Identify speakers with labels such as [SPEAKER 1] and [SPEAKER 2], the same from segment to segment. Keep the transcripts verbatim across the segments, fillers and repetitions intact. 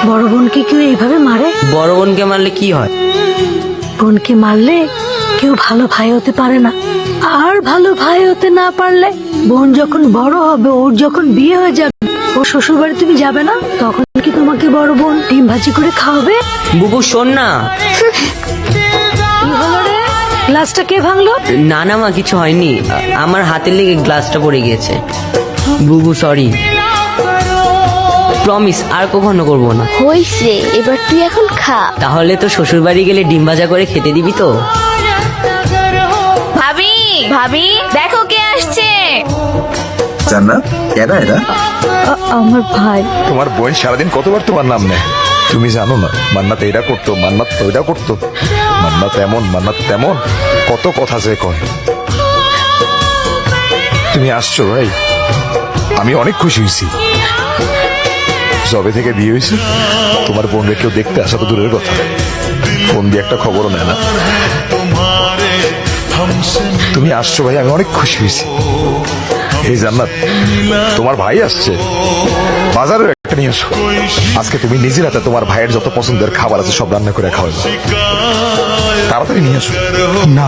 [SPEAKER 1] বড় বোনকে কেউ এইভাবে মারে?
[SPEAKER 2] বড় বোনকে মারলে কি হয়?
[SPEAKER 1] বোনকে মারলে কেউ ভালো ভাই হতে পারে না, আর ভালো ভাই হতে না পারলে বোন যখন বড় হবে, ওর যখন বিয়ে হয়ে যাবে, ও শ্বশুর বাড়ি তুমি যাবে না, তখন কি তোমাকে বড় বোন ডিম ভাজি করে খাওয়াবে?
[SPEAKER 2] বুবু শোন না।
[SPEAKER 1] কি হলো রে? গ্লাসটা কে ভাঙলো?
[SPEAKER 2] না না মা, কিছু হয়নি, আমার হাতের লেগে গ্লাসটা পড়ে গিয়েছে। বুবু সরি, প্রমিস আর কখনো করবো না।
[SPEAKER 3] হইছে, এবার তুই এখন খা।
[SPEAKER 2] তাহলে তো শ্বশুর বাড়ি গেলে ডিম ভাজা করে খেতে দিবি তো?
[SPEAKER 3] ভাবি ভাবি দেখো কে আসছে।
[SPEAKER 4] জান্নাত, এরা এরা
[SPEAKER 1] আমার ভাই।
[SPEAKER 5] তোমার বোন সারাদিন কতবার তোমার নাম নেয়, তুমি জানো না? মান্নাত এটা করতো, মান্নাত ওইটা করতো, মান্নাত এমন, মান্নাত তেমন, কত কথা যে কয়। তুমি আসছো ভাই, আমি অনেক খুশি হয়েছি। যবে থেকে বিয়ে হয়েছে তোমার বোনকে কেউ দেখতে আসা তো দূরের কথা, ফোন দিয়ে একটা খবরও নেয় না। তুমি আসছো ভাই, আমি অনেক খুশি হয়েছি। এই জান্নাত, তোমার ভাই আসছে, বাজারে একটা নিয়ে আসো। আজকে তুমি নিজের হাতে তোমার ভাইয়ের যত পছন্দের খাবার আছে সব রান্না করে খাওয়াবে, তাড়াতাড়ি নিয়ে আসো।
[SPEAKER 6] না,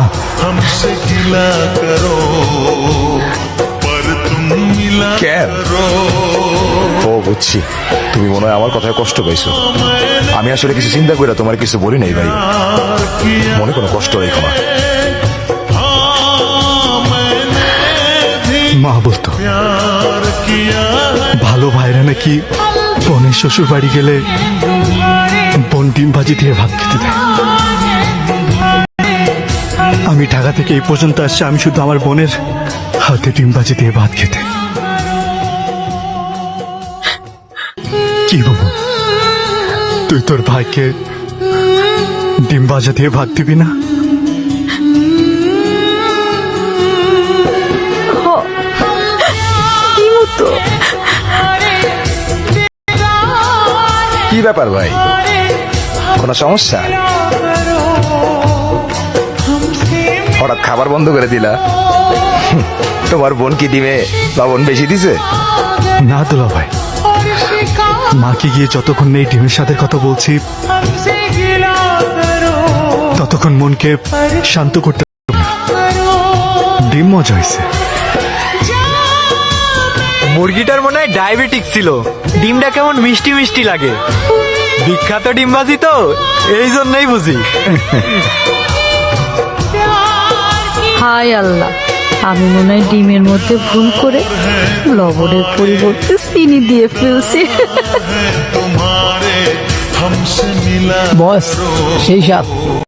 [SPEAKER 5] কেন? ও বুঝছি, তুমি মনে হয় আমার কথায় কষ্ট পাইছো। আমি আসলে কিছু চিন্তা করে তোমার কিছু বলি নাই ভাই, মনে কোনো কষ্ট রেখো না।
[SPEAKER 6] মা বলতো ভালো ভাইরা নাকি বোনের শ্বশুর বাড়ি গেলে বোন ডিম ভাজি দিয়ে ভাত খেতে দেয়। আমি ঢাকা থেকে এই পর্যন্ত আসছি আমি শুধু আমার বোনের হাতে ডিম ভাজি দিয়ে ভাত খেতে। কি বাবু, তুই তোর ভাইকে ডিম ভাজা দিয়ে ভাত দিবি না?
[SPEAKER 5] কি ব্যাপার ভাই, কোনো সমস্যা? হঠাৎ খাবার বন্ধ করে দিলা? তোমার বোন কি ডিমে লবণ বেশি দিছে?
[SPEAKER 6] না দুলা ভাই, মাকে গিয়ে যতক্ষণ নেই ডিমের সাথে কথা বলছি ততক্ষণ মনকে শান্ত করতে পারবো না। ডিম মজা হয়েছে।
[SPEAKER 7] মুরগিটার মনে হয় ডায়াবেটিক ছিল, ডিমটা কেমন মিষ্টি মিষ্টি লাগে। বিখ্যাত ডিমবাজি তো, এই জন্যই বুঝি।
[SPEAKER 1] হায় আল্লাহ, আমি মনে হয় ডিমের মধ্যে ভুল করে লবণের পরিবর্তে চিনি দিয়ে ফেলছি।
[SPEAKER 8] বস সেই সাপ।